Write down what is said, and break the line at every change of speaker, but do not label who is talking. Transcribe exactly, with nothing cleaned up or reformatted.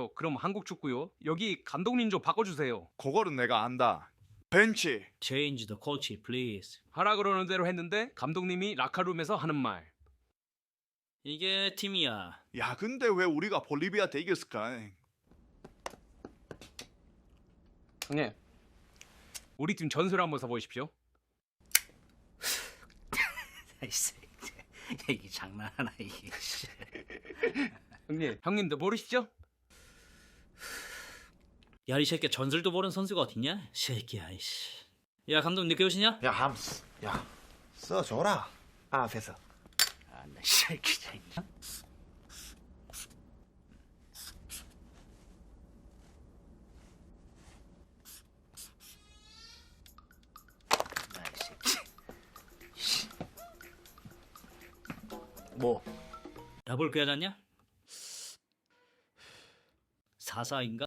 알았어요. 그럼 한국 축구요. 여기 감독님 좀 바꿔주세요.
그거는 내가 안다. 벤치.
Change the coach, please.
하라 그러는 대로 했는데 감독님이 라카룸에서 하는 말.
이게 팀이야.
야 근데 왜 우리가 볼리비아한테 이겼을까?
형님, 우리 팀 전술 한번 써보십시오.
아이씨, 이게 장난하나 이게.
형님, 형님도 모르시죠?
야, 이 새끼 전술도 모르는 선수가 어딨냐? 새끼야, 이씨. 야, 감독 늦게 오시냐?
야 함스 야 써줘라 앞에서.
아, 나 새끼 새끼. 나 새끼. 뭐? 더블 꽤 하잖냐? 사사인가?